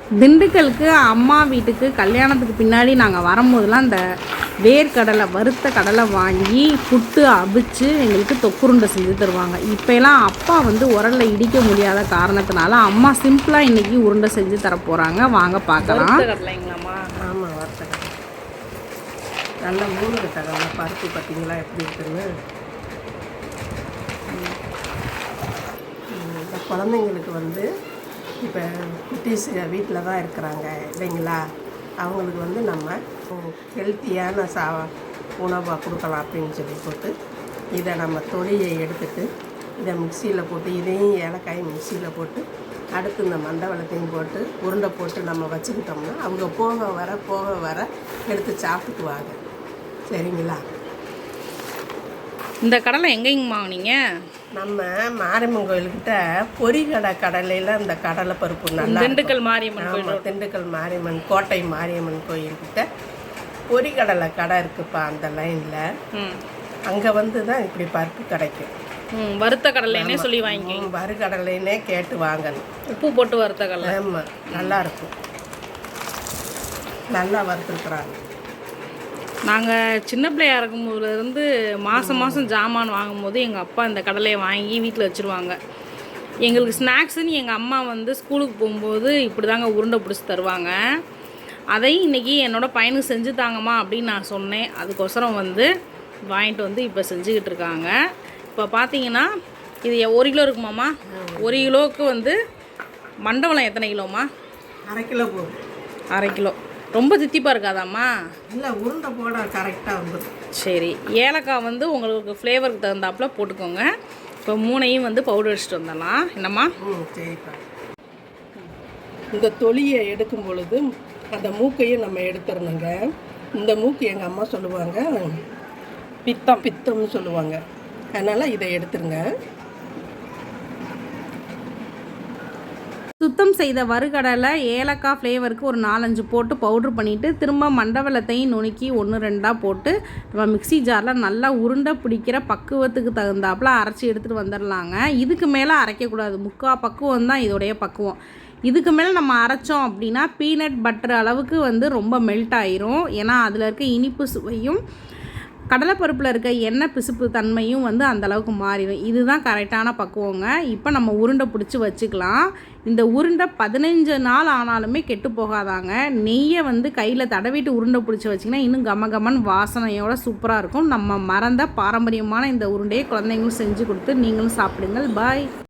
திண்டுக்கலுக்கு அம்மா வீட்டுக்கு கல்யாணத்துக்கு பின்னாடி நாங்கள் வரும்போதெல்லாம் இந்த வேர்க்கடலை வறுத்த கடலை வாங்கி புட்டு அவிச்சு எங்களுக்கு தொக்குருண்டை செஞ்சு தருவாங்க. இப்போலாம் அப்பா வந்து உரலில் இடிக்க முடியாத காரணத்தினால அம்மா சிம்பிளாக இன்றைக்கி உருண்டை செஞ்சு தர போகிறாங்க. வாங்க பார்க்கலாம். கடலைங்களாம்மா? ஆமாம், வறுத்த கடலை நல்லா மூணு கடலை பருப்பு பார்த்தீங்களா எப்படி இருக்குன்னு. இந்த குழந்தைங்களுக்கு வந்து இப்போ குட்டீஸ் வீட்டில் தான் இருக்கிறாங்க இல்லைங்களா, அவங்களுக்கு வந்து நம்ம ஹெல்த்தியான உணவாக கொடுக்கலாம் அப்படின்னு சொல்லி போட்டு இதை நம்ம தொலியை எடுத்துட்டு இதை மிக்சியில் போட்டு இதையும் ஏலக்காய் மிக்சியில் போட்டு அடுத்து இந்த மண்டவளத்தையும் போட்டு உருண்டை போட்டு நம்ம வச்சுக்கிட்டோம்னா அவங்க போக வர எடுத்து சாப்பிட்டுக்குவாங்க. சரிங்களா? இந்த கடலை எங்கேங்கம்மா நீங்கள்? நம்ம மாரியம்மன் கோயில்கிட்ட கடலையில் இந்த கடலை பருப்பு நல்லா திண்டுக்கல் மாரியம்மன் கோயில், திண்டுக்கல் மாரியம்மன் கோட்டை மாரியம்மன் கோயில்கிட்ட பொரிகடலை கடை இருக்குப்பா அந்த லைனில். அங்கே வந்து தான் இப்படி பருப்பு கிடைக்கும். வறுத்த கடலைன்னே சொல்லி வாங்கி வறுகடலைன்னே கேட்டு வாங்கணும். உப்பு போட்டு வறுத்த கடலை. ஆமாம், நல்லாயிருக்கும். நல்லா வறுத்துருக்குறாங்க. நாங்கள் சின்ன பிள்ளையாக இருக்கும்போதுலேருந்து மாதம் ஜாமான் வாங்கும்போது எங்கள் அப்பா இந்த கடலையை வாங்கி வீட்டில் வச்சுருவாங்க. எங்களுக்கு ஸ்நாக்ஸுன்னு எங்கள் அம்மா வந்து ஸ்கூலுக்கு போகும்போது இப்படி தாங்க உருண்டை பிடிச்சி தருவாங்க. அதையும் இன்றைக்கி என்னோடய பையனுக்கு செஞ்சு தாங்கம்மா அப்படின்னு நான் சொன்னேன். அதுக்கோசரம் வந்து வாங்கிட்டு வந்து இப்போ செஞ்சுக்கிட்டு இருக்காங்க. இப்போ பார்த்தீங்கன்னா இது 1 கிலோ இருக்குமாம்மா? 1 கிலோவுக்கு வந்து மண்டவளம் எத்தனை கிலோம்மா? 1/2 கிலோ போகும். 1/2 கிலோ. ரொம்ப தித்திப்பாக இருக்காதாம்மா? இல்லை, உருண்டை போட கரெக்டாக வந்துடும். சரி, ஏலக்காய் வந்து உங்களுக்கு ஃப்ளேவருக்கு தகுந்தாப்பில் போட்டுக்கோங்க. இப்போ 3ஐயும் வந்து பவுடர் அடிச்சுட்டு வந்துடலாம். என்னம்மா? சரிப்பா. இந்த தொலியை எடுக்கும் பொழுது அந்த மூக்கையும் நம்ம எடுத்துடணுங்க. இந்த மூக்கு எங்கள் அம்மா சொல்லுவாங்க பித்தம்னு சொல்லுவாங்க. அதனால் இதை எடுத்துருங்க. சுத்தம் செய்த வறுகடலை ஏலக்காய் ஃப்ளேவருக்கு ஒரு 4-5 போட்டு பவுட்ரு பண்ணிவிட்டு திரும்ப மண்டவளத்தையும் நுணுக்கி 1-2 போட்டு நம்ம மிக்சி ஜாரில் நல்லா உருண்டை பிடிக்கிற பக்குவத்துக்கு தகுந்தாப்பில் அரைச்சி எடுத்துகிட்டு வந்துடலாங்க. இதுக்கு மேலே அரைக்கக்கூடாது. 3/4 பக்குவம் தான் இதோடைய பக்குவம். இதுக்கு மேலே நம்ம அரைச்சோம் அப்படின்னா பீனட் பட்டர் அளவுக்கு வந்து ரொம்ப மெல்ட் ஆயிரும். ஏன்னா அதில் இருக்க இனிப்பு சுவையும் கடலைப்பருப்பில் இருக்க எண்ணெய் பிசுப்பு தன்மையும் வந்து அந்தளவுக்கு மாறிடும். இதுதான் கரெக்டான பக்குவங்க. இப்போ நம்ம உருண்டை பிடிச்சி வச்சுக்கலாம். இந்த உருண்டை 15 நாள் ஆனாலுமே கெட்டு போகாதாங்க. நெய்யை வந்து கையில் தடவிட்டு உருண்டை பிடிச்சி வச்சிங்கன்னா இன்னும் கமகமன் வாசனையோட சூப்பராக இருக்கும். நம்ம மறந்த பாரம்பரியமான இந்த உருண்டையை குழந்தைங்களும் செஞ்சு கொடுத்து நீங்களும் சாப்பிடுங்கள். பாய்.